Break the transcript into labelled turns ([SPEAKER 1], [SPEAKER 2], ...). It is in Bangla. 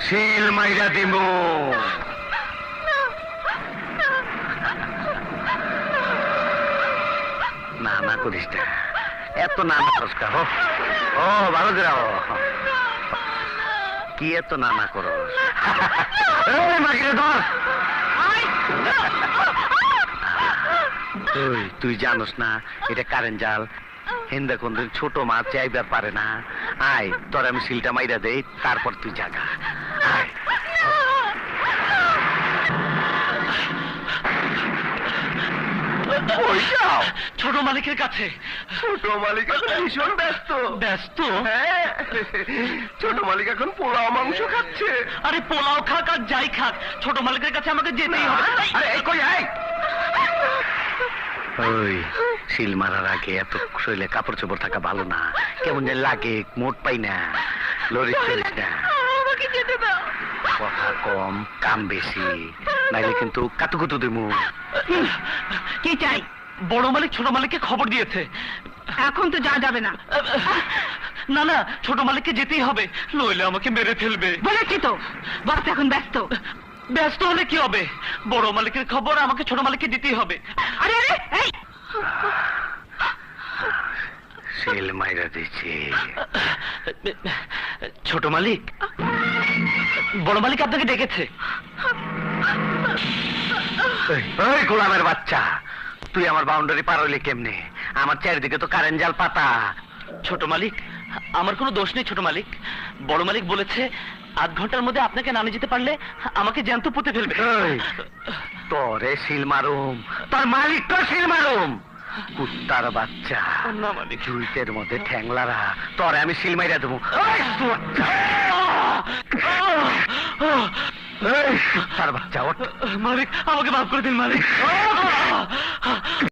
[SPEAKER 1] সিল মাইরা দিব। না না করিস না, এত না না করিস না। ও ভালো করে কি এত না না করো? তুই জানোস না এটা কারেন্ট জাল। হিন্দা কোন ছোট মাছ চাইবার পারে না। আয় তোর আমি সিলটা মাইরা দেই, তারপর তুই জাগা। আয়
[SPEAKER 2] ছোট মালিকের কাছে।
[SPEAKER 1] ছোট মালিক এখন ভীষণ ব্যস্ত।
[SPEAKER 2] ব্যস্ত?
[SPEAKER 1] হ্যাঁ, ছোট মালিক এখন পোলাও মাংস খাচ্ছে।
[SPEAKER 2] আরে পোলাও খাক আর যাই খাক, ছোট মালিকের কাছে আমাকে যেতেই হবে।
[SPEAKER 1] আরে এই কই আয়। ওই সিল মারার আগে এত শরীরে কাপড় চোপড় থাকা ভালো না। কেমন যে লাগে, মোট পাই না। লরিস চলিস না,
[SPEAKER 2] আমাকে যেতে দাও।
[SPEAKER 1] কথা কম কাম বেশি, নাইলে কিন্তু কাতুকুতু দিমু।
[SPEAKER 3] কি চাই?
[SPEAKER 2] বড় মালিক ছোট মালিককে খবর দিয়েছে।
[SPEAKER 3] এখন তো যা যাবে না।
[SPEAKER 2] না না, ছোট মালিককে যেতেই হবে, নইলে আমাকে মেরে ফেলবে।
[SPEAKER 3] বলেছি তো, বস এখন ব্যস্ত।
[SPEAKER 2] ব্যস্ত হলে কি হবে? বড় মালিকের খবর আমাকে ছোট মালিককে দিতেই হবে।
[SPEAKER 3] আরে আরে এই
[SPEAKER 1] সিল মাইরা দিচ্ছি।
[SPEAKER 2] ছোট মালিক, বড় মালিক আপনাকে ডেকেছে।
[SPEAKER 1] ওই গোলামের বাচ্চা, তুই আমার বাউন্ডারি পার হইলে কেমনে? আমার চারিদিকে তো কারেন্ট জাল পাতা।
[SPEAKER 2] ছোট মালিক, আমার কোনো দোষ নেই ছোট মালিক। বড় মালিক বলেছে আধ ঘন্টার মধ্যে আপনাকে নামে যেতে পারলে আমাকে জ্যান্ত পুঁতে ফেলবে।
[SPEAKER 1] তোরে সিল মারুম, তোর মালিক তো সিল মারুম। কুত্তার বাচ্চা,
[SPEAKER 2] না মালিক,
[SPEAKER 1] জুইতের মধ্যে ঠ্যাংলারা, তোরে আমি সিল মাইরা দেবো। কুত্তার বাচ্চা, ওঠ।
[SPEAKER 2] মালিক আমাকে মাফ করে দিন মালিক।